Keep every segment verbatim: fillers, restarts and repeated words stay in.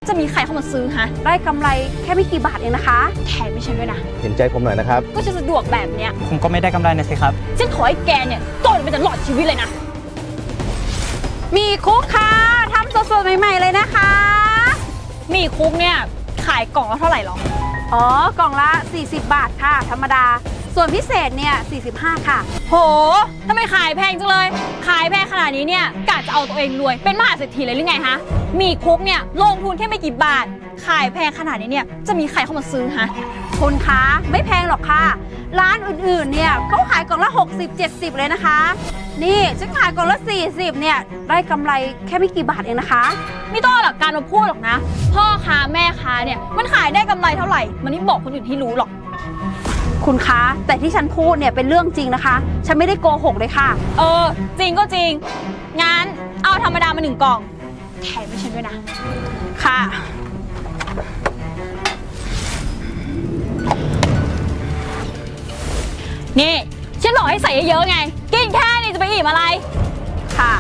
จะมีใครเข้ามาซื้อฮะได้กำไรแค่ไม่กี่บาทเองนะคะแถมไม่ใช่ด้วยนะเห็นใจผมหน่อยนะครับก็จะสะดวกแบบเนี้ยผมก็ไม่ได้กำไรนะสิครับฉันขอให้แกเนี่ยโดนไปตลอดชีวิตเลยนะมีคุกค่ะทำสดๆใหม่ๆเลยนะคะมีคุกเนี่ยขายกล่องละเท่าไหร่หรออ๋อกล่องละสี่สิบบาทค่ะธรรมดาส่วนพิเศษเนี่ยสี่สิบห้าค่ะโหทำไมขายแพงจังเลยขายแพงขนาดนี้เนี่ยกะจะเอาตัวเองรวยเป็นมหาเศรษฐีเลยหรือไงฮะมีคุกเนี่ยลงทุนแค่ไม่กี่บาทขายแพงขนาดนี้เนี่ยจะมีใครเข้ามาซื้อฮะคุณคะไม่แพงหรอกค่ะร้านอื่นๆเนี่ยเขาขายกล่องละหกสิบ เจ็ดสิบเลยนะคะนี่ฉันขายกล่องละสี่สิบเนี่ยได้กำไรแค่ไม่กี่บาทเองนะคะไม่ต้องหลักการมาพูดหรอกนะพ่อค้าแม่ค้าเนี่ยมันขายได้กำไรเท่าไหร่มันไม่บอกคนอื่นให้รู้หรอกคุณคะแต่ที่ฉันพูดเนี่ยเป็นเรื่องจริงนะคะฉันไม่ได้โกหกเลยค่ะเออจริงก็จริงงั้นเอาธรรมดามาหนึ่งกล่องแถมไม่ใช่ด้วยนะค่ะนี่ฉันบอกให้ใส่เยอะๆไงกินแค่นี้จะไปอิ่มอะไรค่ะ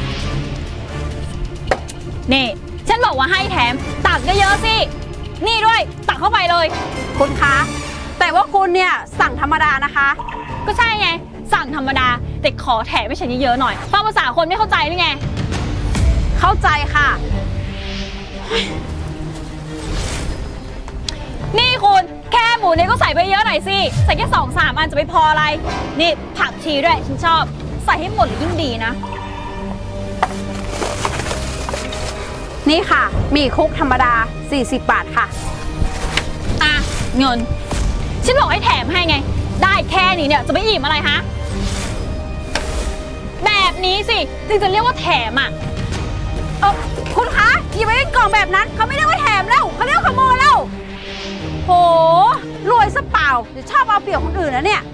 นี่ฉันบอกว่าให้แถมตักเยอะๆสินี่ด้วยตักเข้าไปเลยคุณคะแต่ว่าคุณเนี่ยสั่งธรรมดานะคะก็ใช่ไงสั่งธรรมดาแต่ขอแถมให้ฉันเยอะๆหน่อยฟังภาษาคนไม่เข้าใจหรือไงเข้าใจค่ะนี่คุณแค่หมูเนี่ยก็ใส่ไปเยอะหน่อยสิใส่แค่สองสามอันจะไปพออะไรนี่ผักชีด้วยฉันชอบใส่ให้หมดเลยยิ่งดีนะนี่ค่ะมีคุกธรรมดาสี่สิบบาทค่ะอ่ะเงินฉันบอกให้แถมให้ไงได้แค่นี้เนี่ยจะไปอิ่มอะไรฮะแบบนี้สิจึงจะเรียกว่าแถมอ่ะเออคุณคะอย่าไปเล่นกล่องแบบนั้นเขาไม่เรียกว่าแถมแล้วเขาเรียกว่าขโมยแล้วโหรวยซะเปล่าเดี๋ยวชอบเอาเปรียบคนอื่นนะเนี่ย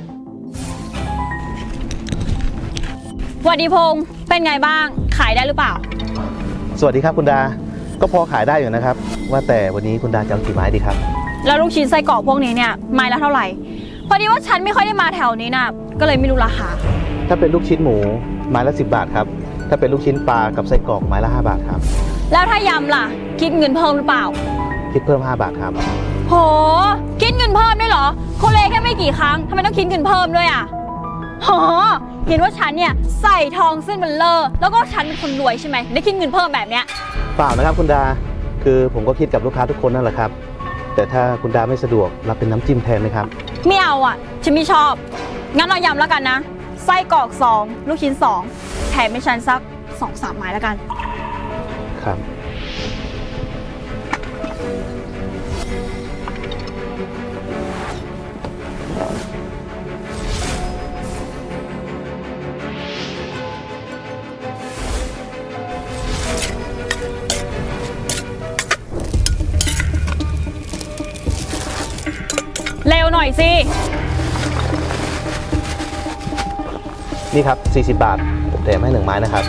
วัสดีพงษ์เป็นไงบ้างขายได้หรือเปล่าสวัสดีครับคุณดาก็พอขายได้อยู่นะครับว่าแต่วันนี้คุณดาจะเอากี่ไม้ดีครับแล้วลูกชิ้นไส้กรอกพวกนี้เนี่ยไม้ละเท่าไหร่พอดีว่าฉันไม่ค่อยได้มาแถวนี้นะก็เลยไม่รู้ราคาถ้าเป็นลูกชิ้นหมูไม้ละสิบบาทครับถ้าเป็นลูกชิ้นปลากับไส้กรอกไม้ละห้าบาทครับแล้วถ้ายำล่ะคิดเงินเพิ่มหรือเปล่าคิดเพิ่มห้าบาทครับโหคิดเงินเพิ่มด้วยเหรอโคเลแค่ไม่กี่ครั้งทำไมต้องคิดเงินเพิ่มด้วยอ่ะโหเห็นว่าฉันเนี่ยใส่ทองเส้นเบลเลอร์แล้วก็ฉันเป็นคนรวยใช่ไหมได้คิดเงินเพิ่มแบบเนี้ยเปล่านะครับคุณดาคือผมก็คิดกับลูกค้าทุกคนนั่นแหละครับแต่ถ้าคุณดาไม่สะดวกรับเป็นน้ำจิ้มแทนไหมครับไม่เอาอ่ะฉันไม่ชอบงั้นเรายำแล้วกันนะไส้กรอกสองลูกชิ้นสองแถมให้ฉันสักสองสามไม้แล้วกันครับเร็วหน่อยสินี่ครับสี่สิบบาทผมแถมให้หนึ่งไม้นะครับ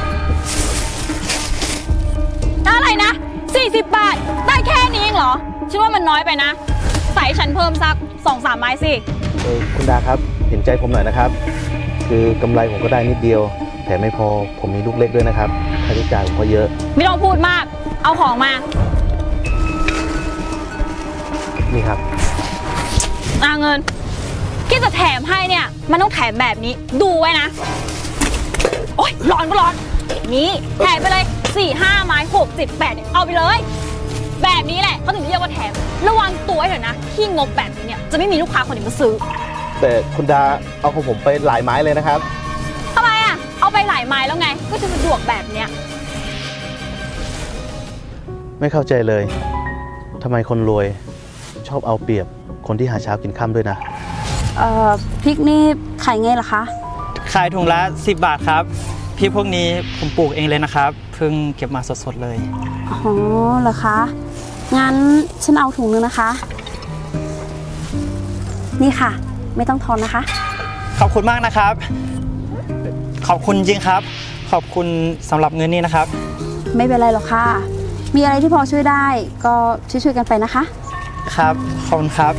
อะไรนะสี่สิบบาทได้แค่นี้เองเหรอฉันว่ามันน้อยไปนะใส่ฉันเพิ่มสักสองสามไม้สิเออคุณดาครับเห็นใจผมหน่อยนะครับคือกำไรผมก็ได้นิดเดียวแถมไม่พอผมมีลูกเล็กด้วยนะครับค่าใช้จ่ายผมก็เยอะไม่ต้องพูดมากเอาของมานี่ครับเอาเงินที่จะแถมให้เนี่ยมันต้องแถมแบบนี้ดูไว้นะโอ๊ยร้อนก็ร้อนนี่แถมไปเลยสี่ห้าไม้หกเจ็ดแปดเนี่ยเอาไปเลยแบบนี้แหละเขาถึงเรียกว่าแถมระวังตัวให้หน่อยนะที่งบแบบนี้เนี่ยจะไม่มีลูกค้าคนอื่นมาซื้อแต่คุณดาเอาของผมไปหลายไม้เลยนะครับทำไมอ่ะเอาไปหลายไม้แล้วไงก็จะสะดวกแบบเนี้ยไม่เข้าใจเลยทำไมคนรวยชอบเอาเปรียบคนที่หาเช้ากินค่ำด้วยนะเอ่อพริกนี่ขายไงล่ะคะขายถุงละสิบบาทครับพริกพวกนี้ผมปลูกเองเลยนะครับเพิ่งเก็บมาสดๆเลยอ๋อเหรอคะงั้นฉันเอาถุงนึงนะคะนี่ค่ะไม่ต้องทอนนะคะขอบคุณมากนะครับขอบคุณจริงครับขอบคุณสำหรับเงินนี้นะครับไม่เป็นไรหรอกค่ะมีอะไรที่พอช่วยได้ก็ช่วยๆกันไปนะคะครับขอบคุณครับ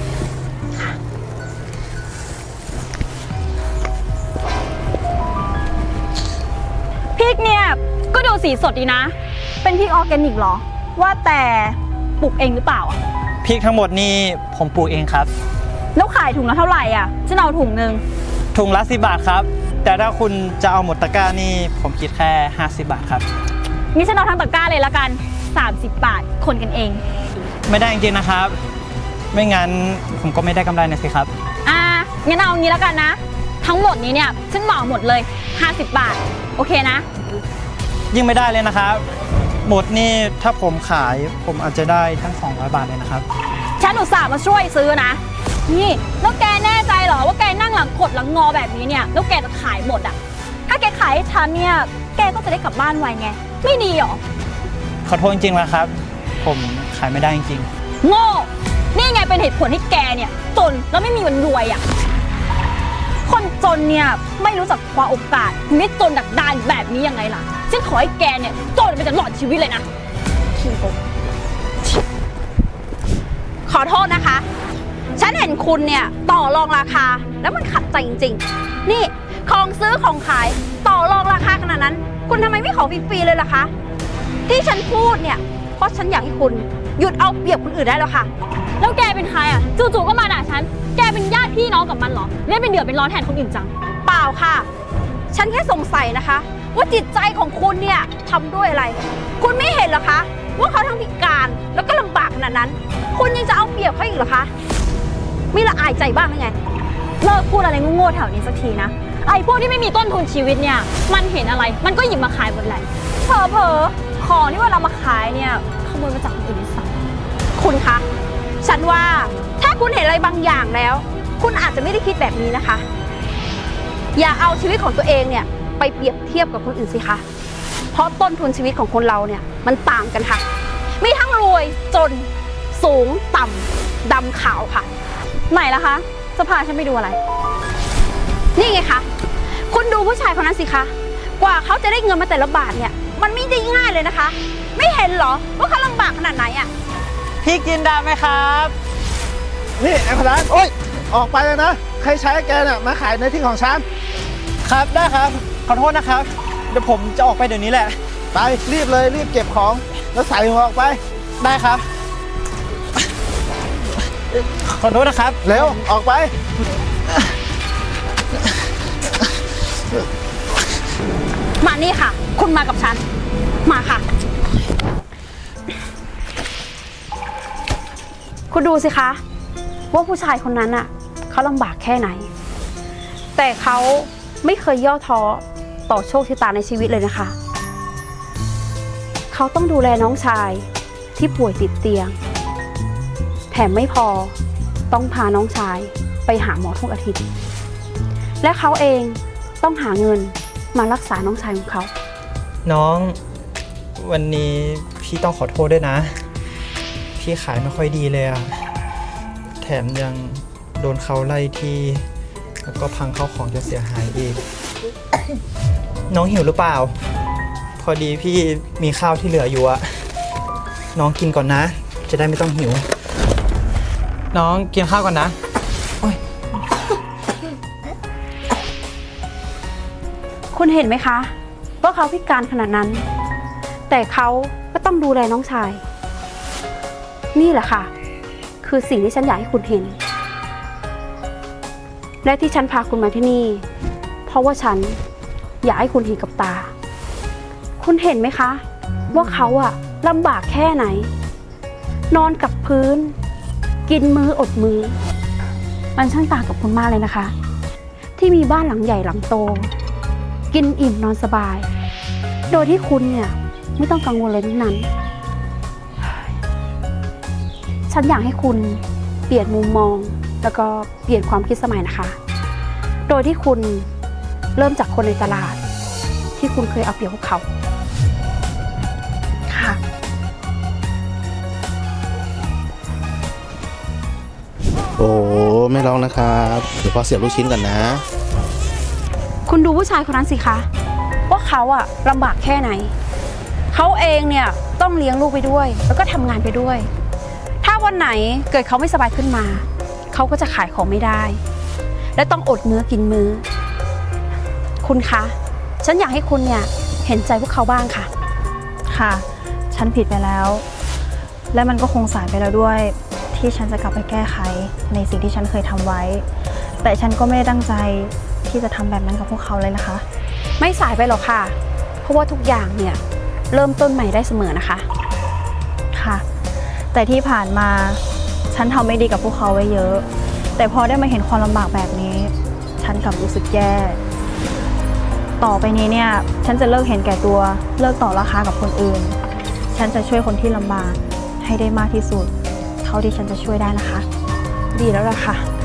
พริกเนี่ยก็ดูสีสดดีนะเป็นพริกออร์แกนิกเหรอว่าแต่ปลูกเองหรือเปล่าอะพริกทั้งหมดนี่ผมปลูกเองครับแล้วขายถุงละเท่าไหร่อ่ะฉันเอาถุงหนึ่งถุงละสิบบาทครับ แต่ถ้าคุณจะเอาหมดตะกร้านี่ผมคิดแค่ห้าสิบบาทครับงี้ฉันเอาทั้งตะกร้าเลยละกันสามสิบบาทคนกันเองไม่ได้จริงๆนะครับ ไม่งั้นผมก็ไม่ได้กำไรนะสิครับอ่างั้นเอางี้แล้วกันนะ ทั้งหมดนี้เนี่ยฉันเหมาหมดเลยห้าสิบบาทโอเคนะยิ่งไม่ได้เลยนะครับ หมดนี่ถ้าผมขายผมอาจจะได้ทั้งสองร้อยบาทเลยนะครับฉันอุตส่าห์มาช่วยซื้อนะนี่แล้วแกแน่ใจเหรอว่าแกนั่งหลังขดหลังงอแบบนี้เนี่ยแล้วแกจะขายหมดอ่ะถ้าแกขายให้ฉันเนี่ยแกก็จะได้กลับบ้านไวไงไม่ดีหรอขอโทษจริงๆนะครับ ผมขายไม่ได้จริงโง่นี่ไงเป็นเหตุผลที่แกเนี่ยจนแล้วไม่มีวันรวยอ่ะคนจนเนี่ยไม่รู้จักคว้าโอกาสถึงได้จนดักดานแบบนี้ยังไงล่ะฉันขอให้แกเนี่ยจนไปตลอดชีวิตเลยนะขี้โกงขอโทษนะคะ ฉันเห็นคุณเนี่ยต่อรองราคาแล้วมันขัดใจจริงๆ นี่ของซื้อของขายต่อรองราคาขนาดนั้น คุณทำไมไม่ขอฟรีๆเลยล่ะคะ ที่ฉันพูดเนี่ยเพราะฉันอยากให้คุณหยุดเอาเปรียบคนอื่นได้แล้วค่ะแล้วแกเป็นใครอ่ะจู่ๆก็มาด่าฉันแกเป็นญาติพี่น้องกับมันเหรอเล่นเป็นเดือดเป็นร้อนแทนคนอื่นจังเปล่าค่ะ ฉันแค่สงสัยนะคะ ว่าจิตใจของคุณเนี่ยทำด้วยอะไร คุณไม่เห็นเหรอคะ ว่าเขาทั้งพิการแล้วก็ลำบากขนาดนั้น คุณยังจะเอาเปรียบเขาอีกเหรอคะไม่ละอายใจบ้างหรือไงเลิกพูดอะไรโง่ๆแถวนี้สักทีนะไอ้พวกที่ไม่มีต้นทุนชีวิตเนี่ยมันเห็นอะไรมันก็หยิบมาขายหมดแหละเผลอๆของที่ว่าเรามาขายเนี่ยขโมยมาจากคนอื่นด้วยซ้ำคุณคะ ฉันว่าถ้าคุณเห็นอะไรบางอย่างแล้ว คุณอาจจะไม่ได้คิดแบบนี้นะคะ อย่าเอาชีวิตของตัวเองเนี่ยไปเปรียบเทียบกับคนอื่นสิคะ เพราะต้นทุนชีวิตของคนเราเนี่ยมันต่างกันค่ะ มีทั้งรวยจนสูงต่ำดำขาวค่ะไหนล่ะคะจะพาฉันไปดูอะไรนี่ไงคะ คุณดูผู้ชายคนนั้นสิคะ กว่าเขาจะได้เงินมาแต่ละบาทเนี่ย มันไม่ได้ง่ายเลยนะคะ ไม่เห็นเหรอว่าเขาลำบากขนาดไหนอะๆพี่กินได้ไหมครับนี่ไอ้คนนั้นโอ๊ยออกไปเลยนะ ใครใช้แกเนี่ยมาขายในที่ของฉันครับได้ครับ ขอโทษนะครับ เดี๋ยวผมจะออกไปเดี๋ยวนี้แหละไปรีบเลยรีบเก็บของแล้วใส่หัวออกไปได้ครับ ขอโทษนะครับเร็วออกไปมานี่ค่ะ คุณมากับฉัน มาค่ะ คุณดูสิคะ ว่าผู้ชายคนนั้นอ่ะเขาลำบากแค่ไหน แต่เขาไม่เคยย่อท้อต่อโชคชะตาในชีวิตเลยนะคะ เขาต้องดูแลน้องชายที่ป่วยติดเตียง แถมไม่พอต้องพาน้องชายไปหาหมอทุกอาทิตย์ และเขาเองต้องหาเงินมารักษาน้องชายของเขาน้องวันนี้พี่ต้องขอโทษด้วยนะ พี่ขายไม่ค่อยดีเลยอะแถมยังโดนเขาไล่ที่แล้วก็พังเข้าของจนเสียหายอีก น้องหิวหรือเปล่า พอดีพี่มีข้าวที่เหลืออยู่อะน้องกินก่อนนะ จะได้ไม่ต้องหิว น้องกินข้าวก่อนนะคุณเห็นไหมคะว่าเขาพิการขนาดนั้น แต่เขาก็ต้องดูแลน้องชาย นี่แหละค่ะ คือสิ่งที่ฉันอยากให้คุณเห็น และที่ฉันพาคุณมาที่นี่ เพราะว่าฉันอยากให้คุณเห็นกับตา คุณเห็นไหมคะ ว่าเขาอะลำบากแค่ไหน นอนกับพื้น กินมื้ออดมื้อมันช่างต่างกับคุณมากเลยนะคะ ที่มีบ้านหลังใหญ่หลังโต กินอิ่มนอนสบาย โดยที่คุณเนี่ยไม่ต้องกังวลเลยทั้งนั้น ฉันอยากให้คุณเปลี่ยนมุมมองแล้วก็เปลี่ยนความคิดสมัยนะคะ โดยที่คุณเริ่มจากคนในตลาด ที่คุณเคยเอาเปรียบพวกเขาค่ะโอ้ไม่ร้องนะครับเดี๋ยวพอเสียบลูกชิ้นก่อนนะคุณดูผู้ชายคนนั้นสิคะว่าเขาอะลำบากแค่ไหน เขาเองเนี่ยต้องเลี้ยงลูกไปด้วย แล้วก็ทำงานไปด้วย ถ้าวันไหนเกิดเขาไม่สบายขึ้นมา เขาก็จะขายของไม่ได้ และต้องอดมื้อกินมื้อ คุณคะ ฉันอยากให้คุณเนี่ยเห็นใจพวกเขาบ้างค่ะค่ะ ฉันผิดไปแล้วและมันก็คงสายไปแล้วด้วยที่ฉันจะกลับไปแก้ไขในสิ่งที่ฉันเคยทำไว้ แต่ฉันก็ไม่ได้ตั้งใจที่จะทำแบบนั้นกับพวกเขาเลยนะคะไม่สายไปหรอกค่ะ เพราะว่าทุกอย่างเนี่ยเริ่มต้นใหม่ได้เสมอนะคะค่ะ แต่ที่ผ่านมาฉันทำไม่ดีกับพวกเขาไว้เยอะ แต่พอได้มาเห็นความลำบากแบบนี้ ฉันกลับรู้สึกแย่ ต่อไปนี้เนี่ยฉันจะเลิกเห็นแก่ตัวเลิกต่อราคากับคนอื่น ฉันจะช่วยคนที่ลำบากให้ได้มากที่สุดเท่าที่ฉันจะช่วยได้นะคะดีแล้วล่ะค่ะ